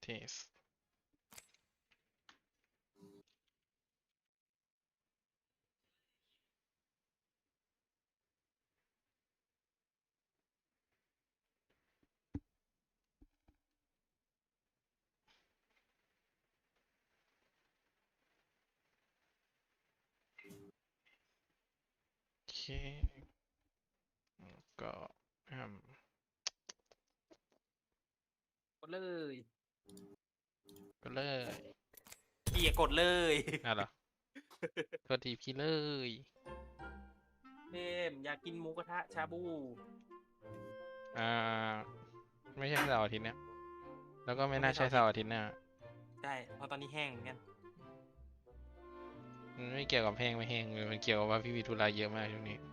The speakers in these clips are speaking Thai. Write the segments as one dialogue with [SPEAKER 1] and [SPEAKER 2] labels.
[SPEAKER 1] เทสโอเคก็
[SPEAKER 2] กดเลย
[SPEAKER 1] ก็เลย
[SPEAKER 2] พี่อย่ากดเลย
[SPEAKER 1] น่าเหรอโทษทีพี่เลย
[SPEAKER 2] เอ็มอยากกินหมูกระทะชาบู
[SPEAKER 1] อ่าไม่ใช่เสาร์อาทิตย์เนี่ยแล้วก็ไม่
[SPEAKER 2] ไม่
[SPEAKER 1] น่า
[SPEAKER 2] ใช่เสาร์อาทิตย์
[SPEAKER 1] ใช่เสาร์อาทิตย์หน้า
[SPEAKER 2] ใช่เพราะตอนนี้แห้งเหมือนกัน
[SPEAKER 1] มันไม่เกี่ยวกับแห้งไม่แห้งเลยมันเกี่ยวกับว่าพี่มีธุระเยอะมากช่วงนี้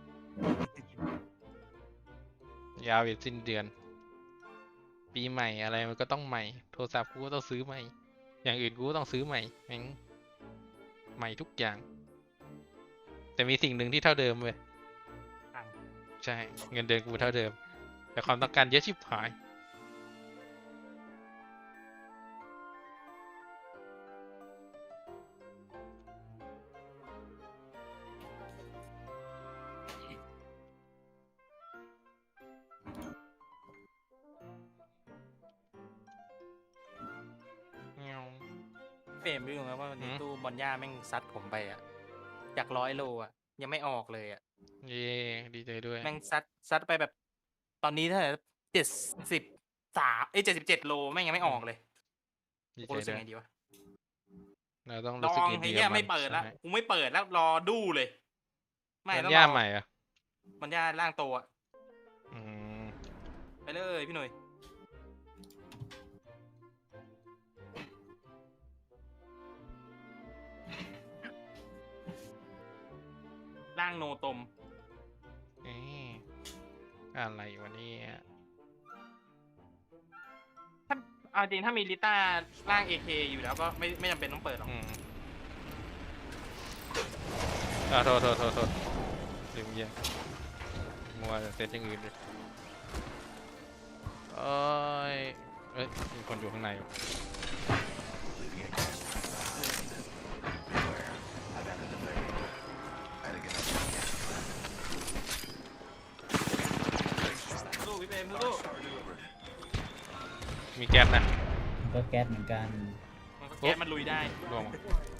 [SPEAKER 1] ยาวไปสิ้นเดือนปีใหม่อะไรมันก็ต้องใหม่โทรศัพท์กูก็ต้องซื้อใหม่อย่างอื่นกูก็ต้องซื้อใหม่แม่งใหม่ทุกอย่างแต่มีสิ่งหนึ่งที่เท่าเดิมเว้ย
[SPEAKER 2] ตัง
[SPEAKER 1] ใช่เงินเดือนกูเท่าเดิมแต่ความต้องการเยอะชิบหายเงี้ยว
[SPEAKER 2] เฟรมรู้ไหมว่าวัน
[SPEAKER 1] อื
[SPEAKER 2] นี้
[SPEAKER 1] ม
[SPEAKER 2] ตู้บอลย่าแม่งซัดผมไปอ่ะจาก100 โลอ่ะยังไม่ออกเลยอ่ะ
[SPEAKER 1] เย่ดีใจด้วย
[SPEAKER 2] แม่งซัดไปแบบตอนนี้เท่าไหร่7377 โลแม่งยังไม่ออกเลย
[SPEAKER 1] ดี
[SPEAKER 2] กูรู้สึก
[SPEAKER 1] ใจด้วย
[SPEAKER 2] ไงดีวะ
[SPEAKER 1] เราต้อง
[SPEAKER 2] ล
[SPEAKER 1] รู้สึก
[SPEAKER 2] องไอ้เหี้ย
[SPEAKER 1] ดีกับมัน
[SPEAKER 2] ไม่เปิดแล้ว
[SPEAKER 1] ใช่
[SPEAKER 2] กูไม่เปิดแล้วรอดูเลยไม่
[SPEAKER 1] มัน
[SPEAKER 2] ต้องรอ
[SPEAKER 1] ย่าใหม่อ่ะ
[SPEAKER 2] บอลย่าร่างโตอ่ะ
[SPEAKER 1] อืม
[SPEAKER 2] ไปเลยพี่หนุ่ยร่างโนตม
[SPEAKER 1] เอ๊ะอะไรวะเนี่ย
[SPEAKER 2] ถ้าเอาจริงถ้ามีลิต้าร่าง AK อยู่แล้วก็ไม่จำเป็นต้องเปิดหรอก
[SPEAKER 1] อืมอ่าโทษลืมเยี่ยมมัวแต่เซตอย่างอื่นเลยเอ้ยเอ้ยมีคนอยู่ข้างในอยู่
[SPEAKER 2] สู้พี่เปรมสู้
[SPEAKER 1] มีแก๊สนะ
[SPEAKER 3] ก็แก๊สเหมือนกัน
[SPEAKER 2] มันก็แก๊สมันลุยได้
[SPEAKER 1] ลง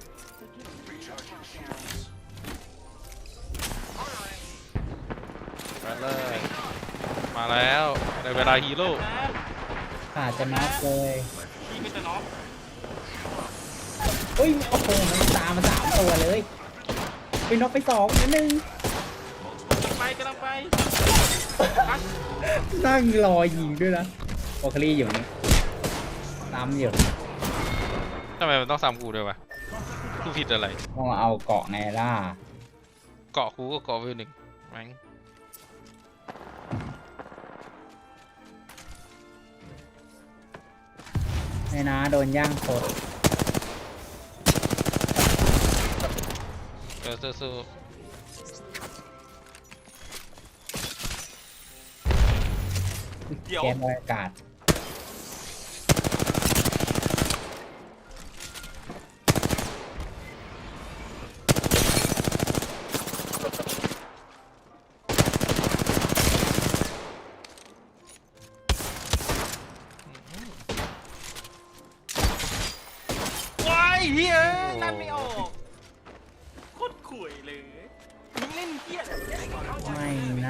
[SPEAKER 1] มาไปเลยมาแล้วในเวลาฮีโร่
[SPEAKER 3] ขาดจะนับเลย
[SPEAKER 2] พี่ก็จะน็อก
[SPEAKER 3] เฮ้ย โอ้โห มันตามมา3 ตัวเลยไปน็อกไป2นิดนึง
[SPEAKER 2] กำลังไปพัก
[SPEAKER 3] นั่งรอยิงด้วยนะโอคลีอยู่นี่ตามอยู่
[SPEAKER 1] ทำไมมันต้องซ้ำกูด้วยวะกูผิดอะไร
[SPEAKER 3] ต้องเอาเกาะไงล่ะ
[SPEAKER 1] เกาะกูก็เกาะไปหนึ่งแม่ง
[SPEAKER 3] ไม่นะโดนย่างโคตร
[SPEAKER 1] เดี๋ยวสู้
[SPEAKER 2] เดี๋ยว
[SPEAKER 3] แก๊สบรรยากาศ
[SPEAKER 2] ว้ายเฮียนั่นไม่ออกโคตรข่วยเลยมึงเล่นเฮียอะไร
[SPEAKER 3] ไม่นะ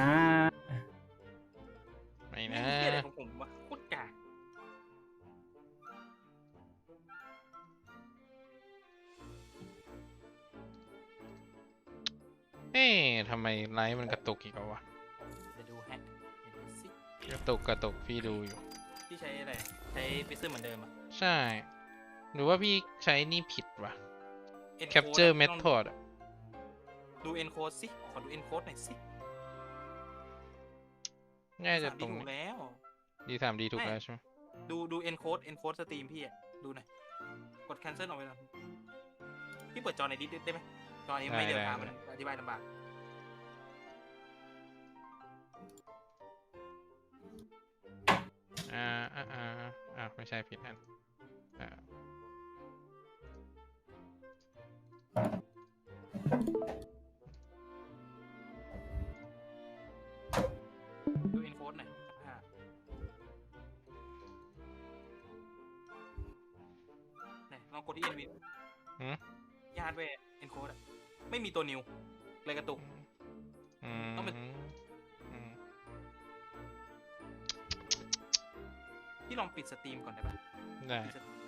[SPEAKER 1] ไม่
[SPEAKER 2] เล่
[SPEAKER 1] นะ
[SPEAKER 2] นเฮียอะไรของผมวะโคตรกาก
[SPEAKER 1] เอ๊ะทำไมไลฟ์มันกระตุกอีกแล้ววะ
[SPEAKER 2] เดี๋ยวดูแฮะเดี๋ยวดูสิ
[SPEAKER 1] กระตุกพี่ดูอยู่
[SPEAKER 2] พี่ใช้อะไรใช้พิซซึมเหมือนเดิมอะ
[SPEAKER 1] ใช่ หรือว่าพี่ใช้นี่ผิดวะ
[SPEAKER 2] Encode
[SPEAKER 1] Capture
[SPEAKER 2] อะ
[SPEAKER 1] Method อะ
[SPEAKER 2] ดู encode สิขอดู encode หน่อยสิ
[SPEAKER 1] น่าจะ
[SPEAKER 2] 3D
[SPEAKER 1] ตรง
[SPEAKER 2] ถู
[SPEAKER 1] นี้
[SPEAKER 2] กแล้ว
[SPEAKER 1] D3D ถูก
[SPEAKER 2] ไม่
[SPEAKER 1] แล้วใช่ไหม
[SPEAKER 2] ดู encode สตรีมพี่อะดูหน่อยกด cancel ออกไปหน่อยพี่เปิดจอในดิสได้ไหมจอนี้ไม่เดียวทางมันอธิบายลำบาก
[SPEAKER 1] อ่าไม่ใช่ผิดอันอ่า
[SPEAKER 2] ดูอินโฟสหน่อยเนี่ยลองกดที่เอ็นวิน
[SPEAKER 1] หืม
[SPEAKER 2] ยาร์ดเวย์เอ็นโคดอะไม่มีตัวนิวเลยกระตุก
[SPEAKER 1] อืม
[SPEAKER 2] ต้องเป็น
[SPEAKER 1] อืม
[SPEAKER 2] พี่ลองปิดสตรีมก่อนได้ปะ
[SPEAKER 1] ได้
[SPEAKER 2] ปิดสตรีม